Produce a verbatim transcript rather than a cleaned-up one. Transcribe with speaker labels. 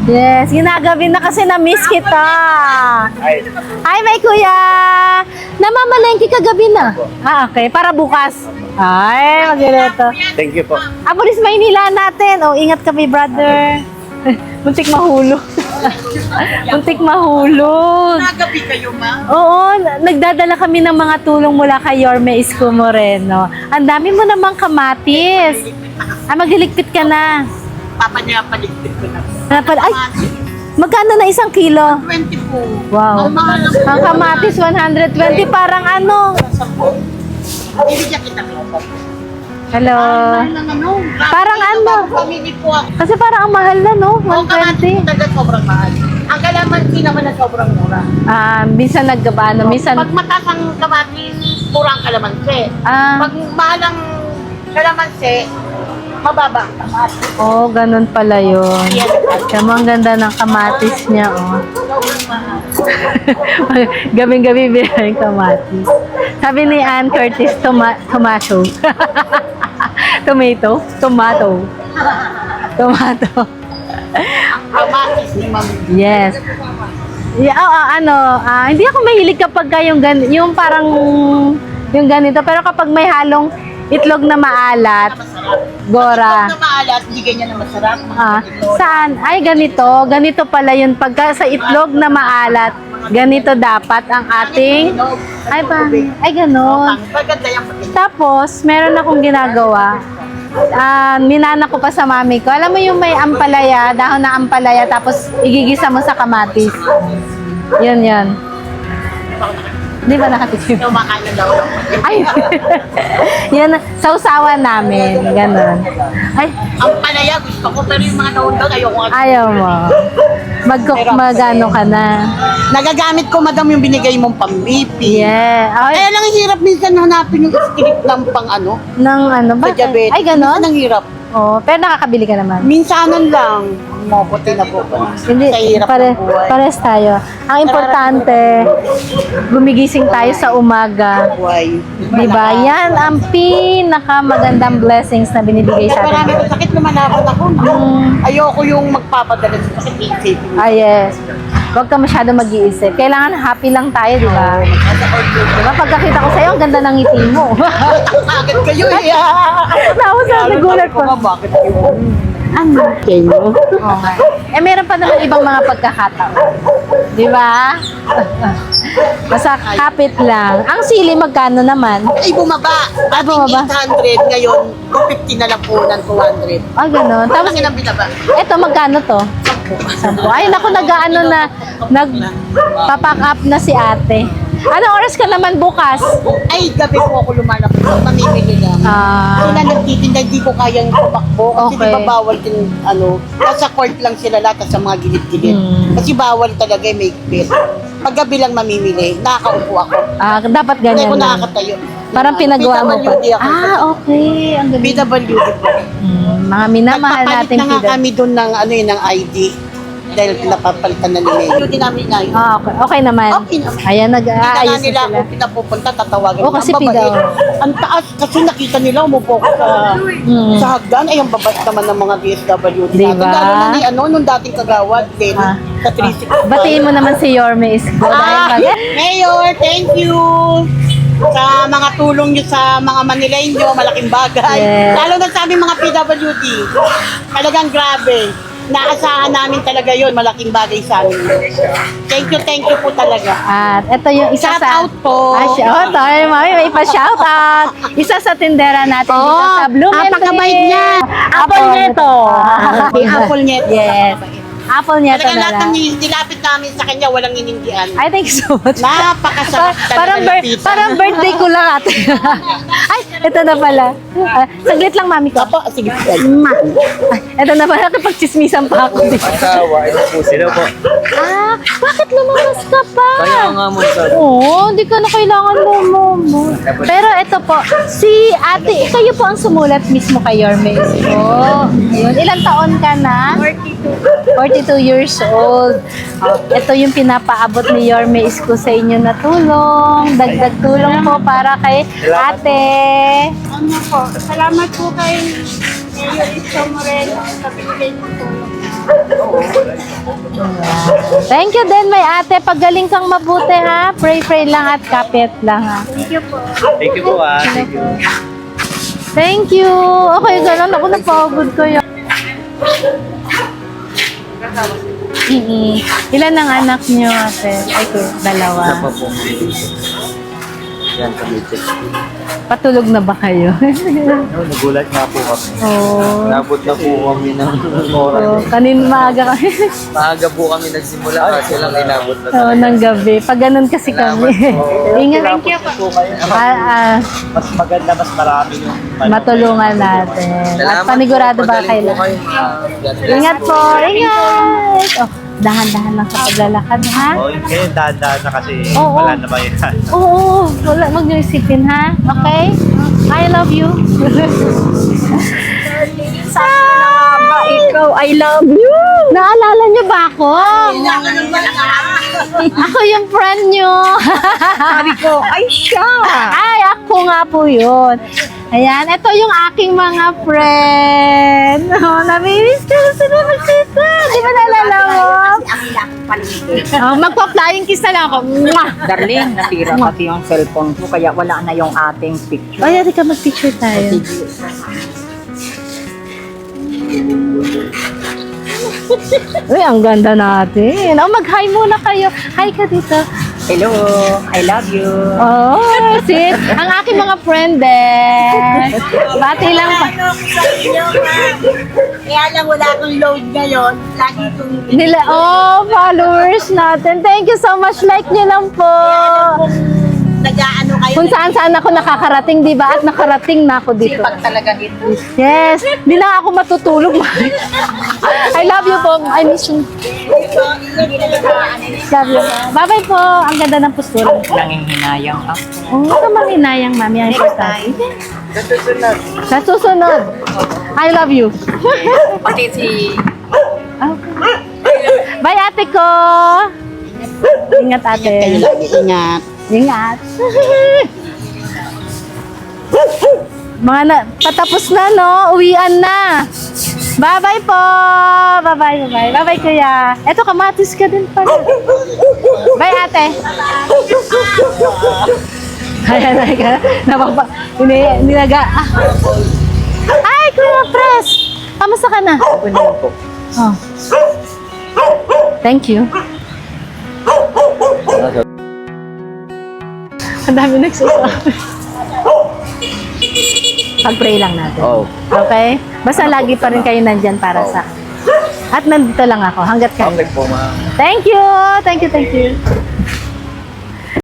Speaker 1: Yes, ginagabi na kasi na-miss kita.
Speaker 2: Ay,
Speaker 1: Hi, may kuya! Namamalengke kagabi na. Ah, okay. Para bukas. Ay, maganda.
Speaker 2: thank you po.
Speaker 1: Ah, Pulis Maynila natin. Oh, ingat kami, brother. Muntik mahulog. Muntik mahulog.
Speaker 3: Nagabi kayo, ma?
Speaker 1: Oo, nagdadala kami ng mga tulong mula kay Yorme Isko Moreno. Ang dami mo namang kamatis. Ah, magliligpit ka na.
Speaker 3: Papa niya paligpit ko na.
Speaker 1: Napal- Ay, magkano na isang kilo?
Speaker 3: twenty po.
Speaker 1: Wow.
Speaker 3: Ang mahal lang
Speaker 1: Ang kamatis, one hundred twenty. Parang ano?
Speaker 3: Bibigyan kita ko.
Speaker 1: Hello.
Speaker 3: Mahal lang ano.
Speaker 1: Parang ano?
Speaker 3: Family po ako.
Speaker 1: Kasi parang ang mahal na, no?
Speaker 3: Ang kamatis
Speaker 1: one twenty.
Speaker 3: talaga sobrang mahal. Ang kalamansi naman na sobrang mura.
Speaker 1: Ah, minsan nagkabano, minsan...
Speaker 3: Pag mataas ang kamatis, mura ang kalamansi.
Speaker 1: Ah,
Speaker 3: Pag mahal ang kalamansi, mababa ang kamatis.
Speaker 1: oh, ganun pala yun.
Speaker 3: Yes.
Speaker 1: Kamo, ang ganda ng kamatis niya, oh.
Speaker 3: Sobrang mahal.
Speaker 1: Gabing-gabi bilang kamatis. Sabi ni Ann Curtis, toma tomato. Tomato? Tomato. Tomato.
Speaker 3: Ang kamatis ni Ma'am.
Speaker 1: Yes. Yeah, oh, ah, ano, ah, hindi ako mahilig kapag ka yung, gan yung parang yung ganito. Pero kapag may halong itlog na maalat,
Speaker 3: Masarap.
Speaker 1: Gora.
Speaker 3: Pag na maalat, hindi ganyan na masarap. Mga
Speaker 1: Ah,
Speaker 3: ganito.
Speaker 1: saan? Ay, ganito. Ganito pala yun. Pagka sa itlog na maalat, ganito dapat ang ating... Ay, pa, ay, ganon.
Speaker 3: Paganda yung pagkain.
Speaker 1: Tapos, meron akong ginagawa. Ah, minana ko pa sa mami ko. Alam mo yung may ampalaya, dahon na ampalaya, tapos igigisa mo sa kamatis. Yun, yun. Di ba nakatikim?
Speaker 3: Kumakain na daw lang.
Speaker 1: Ay, yan, sausawan namin. Ganon. Ay,
Speaker 3: Ang palaya gusto ko, pero yung mga naundang ayoko.
Speaker 1: ayaw mo. Mag-cook, magano ka na.
Speaker 3: Nagagamit ko, madam, yung binigay mong pambipi.
Speaker 1: Yeah. Ay,
Speaker 3: Kaya lang hirap minsan hanapin yung script ng pang ano,
Speaker 1: ng ano ba?
Speaker 3: sa diabetes.
Speaker 1: Ay, ganon?
Speaker 3: Minsan ang hirap.
Speaker 1: Oo, pero nakakabili ka naman.
Speaker 3: Minsanan lang. Mokote na po.
Speaker 1: Hindi,
Speaker 3: Sa hirap
Speaker 1: pare,
Speaker 3: ng buhay.
Speaker 1: pares tayo. Ang importante, gumigising tayo sa umaga.
Speaker 3: Buhay.
Speaker 1: Diba? Yan ang pinakamagandang blessings na binibigay sa
Speaker 3: Marami
Speaker 1: atin.
Speaker 3: ko sakit lumalaban ako.
Speaker 1: Mm.
Speaker 3: Ayoko yung magpapadala sa sakit. Isipin.
Speaker 1: Ah, yes. Huwag ka masyado mag-iisip. Kailangan happy lang tayo, di ba? Diba? Pagkakita ko sa'yo, ang ganda ng ngiti mo.
Speaker 3: Agad kayo eh.
Speaker 1: Tapos sa nagulat ko.
Speaker 3: Bakit kayo?
Speaker 1: Ano? Kayo? Okay. Eh, meron pa naman ibang mga pagkakataon. Di ba? Basta kapit lang. Ang sili, magkano naman?
Speaker 3: Ay, bumaba.
Speaker 1: Ah, bumaba.
Speaker 3: eight hundred, ngayon, two fifty na lang po ng two hundred.
Speaker 1: Ah, ganun. Tapos,
Speaker 3: Tapos, ang binaba.
Speaker 1: eto, magkano to? Sampo. Ay, naku, nag-ano na, nag-papack up na si ate. Anong oras ka naman bukas?
Speaker 3: Ay, gabi po ako lumalaki. Mamimili lang.
Speaker 1: Ah,
Speaker 3: Sila nagtitinda, hindi ko kayang tumakbo. Kasi
Speaker 1: Okay.
Speaker 3: di ba bawal din, ano, nasa court lang sila lahat sa mga gilid-gilid.
Speaker 1: Hmm.
Speaker 3: Kasi bawal talaga, may pit. Pag gabi lang mamimili, nakakaupo ako.
Speaker 1: ah, dapat
Speaker 3: Hindi
Speaker 1: ganyan
Speaker 3: ko
Speaker 1: lang.
Speaker 3: nakakatayo.
Speaker 1: Parang pinagawa mo pa.
Speaker 3: P W D ako.
Speaker 1: Ah, okay. Ang
Speaker 3: P
Speaker 1: galing.
Speaker 3: W D po.
Speaker 1: Hmm, mga minamahal
Speaker 3: Nagpapalit
Speaker 1: natin
Speaker 3: na nga
Speaker 1: P W.
Speaker 3: kami doon ng, ano yun, ng I D. Dahil napapalitan na nila. P W D namin na yun.
Speaker 1: Ah, okay. Okay naman.
Speaker 3: Okay naman.
Speaker 1: Ayan,
Speaker 3: Hindi na nga
Speaker 1: nag-aayos
Speaker 3: nila
Speaker 1: na
Speaker 3: ako
Speaker 1: sila.
Speaker 3: pinapupunta, tatawagan.
Speaker 1: Oh, kasi
Speaker 3: Ang babae,
Speaker 1: P W D.
Speaker 3: Ang taas, kasi nakita nila, umupo ko sa,
Speaker 1: Hmm.
Speaker 3: sa hagdan. Ay, ang babas naman ng mga D S W D
Speaker 1: Diba?
Speaker 3: natin. Lalo na ni, ano, nung dating kagawad, din,
Speaker 1: Ah.
Speaker 3: sa three sixty-five.
Speaker 1: Batiin mo naman si Yorme Isko. Dahil
Speaker 3: Ah,
Speaker 1: mag-
Speaker 3: Mayor, thank you sa mga tulong nyo sa mga Manileño, malaking bagay.
Speaker 1: Yes.
Speaker 3: Lalo na sa aming mga P W D. Talagang grabe. Naasahan namin talaga yon, malaking bagay sa amin. Thank you, thank you po talaga.
Speaker 1: At ito yung isa
Speaker 3: Shout
Speaker 1: sa...
Speaker 3: out po.
Speaker 1: Ah, shout out. Mami, may pa-shout out. Isa sa tindera natin dito
Speaker 3: Oh,
Speaker 1: sa Blumentritt.
Speaker 3: napakabait niya. Apple Neto.
Speaker 1: Ah,
Speaker 3: Okay, Apple Neto.
Speaker 1: Yes. Apple niya ito
Speaker 3: Talaga
Speaker 1: na
Speaker 3: lahat
Speaker 1: lang.
Speaker 3: ng nilapit namin sa kanya, walang inindian.
Speaker 1: Ay, thank you so much.
Speaker 3: Napakasarap
Speaker 1: Pa-
Speaker 3: talaga
Speaker 1: parang,
Speaker 3: ng
Speaker 1: bir-
Speaker 3: pizza.
Speaker 1: parang birthday ko lang ate. Ay, ito na pala. Ah, saglit lang, mami ko.
Speaker 3: Apo, sige.
Speaker 1: Ma. Ay, ito na pala. Kapag-chismisan pa ako.
Speaker 2: Asawa, ito po sila po.
Speaker 1: Ah, bakit lumabas ka pa?
Speaker 2: Kaya nga mo sa...
Speaker 1: Oo, hindi ka na kailangan mo mo. Pero ito po, si ate, kayo po ang sumulat mismo kay Yorme Isko. Ayun, ilang taon ka na?
Speaker 3: forty-two.
Speaker 1: forty-two years old. Oh, ito yung pinapaabot ni Yorme Isko sa inyo na tulong. Dagdag tulong po para kay ate.
Speaker 4: Ano po, salamat po kay Mayor Isko Moreno sa binigay niyo tulong.
Speaker 1: Thank you din, may ate. Pagaling kang mabuti, ha? Pray-pray lang at kapit lang, ha?
Speaker 2: Thank you po ah. Thank you.
Speaker 1: Thank you. Okay, ganun. Ako napagod ko yun. Mm-mm. Ilan ang anak niyo, ate? Ay, ko, dalawa.
Speaker 2: Isa pa po. Yan, kamitik.
Speaker 1: Patulog na ba kayo?
Speaker 2: No, nagulat nga po kami.
Speaker 1: Oo.
Speaker 2: Nabot na po kami ng
Speaker 1: Oh,
Speaker 2: oras.
Speaker 1: kanin maaga kami.
Speaker 2: Maaga po kami nagsimula kasi lang inabot na
Speaker 1: Oo, ng gabi. Pag ganun kasi kami. Ingat.
Speaker 2: Thank you po.
Speaker 1: Ah, ah,
Speaker 2: Mas maganda, mas marami yung
Speaker 1: matulungan natin. At panigurado ba
Speaker 2: Magaling
Speaker 1: kayo?
Speaker 2: po kayo, ma'am. God bless
Speaker 1: Ingat
Speaker 2: po.
Speaker 1: po, ingat! Oh, dahan-dahan lang sa paglalakad, ha?
Speaker 4: Oh, kayo dahan-dahan na kasi
Speaker 1: Oo.
Speaker 4: wala na ba yan?
Speaker 1: Oo, wala, huwag niyo isipin, ha? Okay? I love you.
Speaker 5: Ba, ikaw, I love you!
Speaker 1: Naalala niyo ba ako? Ako yung friend niyo.
Speaker 5: Sabi ko, ay siya!
Speaker 1: Ay, ako nga po yun. Ayan, ito yung aking mga friend. Oh, namimiss ko na sila magsita. Di ba naalala mo? Oh, magpa-flying kiss na lang ako. Mwah!
Speaker 5: Darling, nasira pati yung cellphone ko, kaya wala na yung ating picture.
Speaker 1: Ay, di ka mag-picture tayo. Uy, ang ganda natin. Oh, mag-hi muna kayo. Hi ka dito.
Speaker 5: Hello, I love you.
Speaker 1: Oh, see? Ang aking mga friend eh. Bati lang pa.
Speaker 3: Ano ko sa inyo, ma'am? Kaya lang wala akong load ngayon. Lagi kong
Speaker 1: Nila, oh, followers natin. Thank you so much. Like nyo lang po.
Speaker 3: nag-ano kayo.
Speaker 1: Kung saan saan ako nakakarating, di ba? At nakarating na ako dito.
Speaker 5: Pag talaga ito.
Speaker 1: Yes. Di na ako matutulog. I love you po. I miss you. Love you. Bye-bye po. Ang ganda ng postura.
Speaker 5: Nanginghinayang ako.
Speaker 1: Oo, oh, naman hinayang, mami. Ang importante. Sa susunod. I love you.
Speaker 5: Pati si...
Speaker 1: Okay. Bye, ate ko. Ingat, ate.
Speaker 3: Ingat.
Speaker 1: Ingat. Mga na, patapos na, no? Uwian na. Bye-bye po. Bye-bye, bye-bye. Bye-bye, kuya. Eto, kamatis ka din pala. Bye, ate. Ayan, ayan. Napapa... Ini, ninaga... Ah. Ay, kuya, Pres. Kamusta ka na? Oh. Thank you. Ang dami nagsasabi. Pag-pray lang natin.
Speaker 2: Oh.
Speaker 1: Okay? Basta lagi pa rin kayo nandyan para sa... At nandito lang ako hanggat kayo.
Speaker 2: Okay po, ma'am.
Speaker 1: Thank you! Thank you, thank you.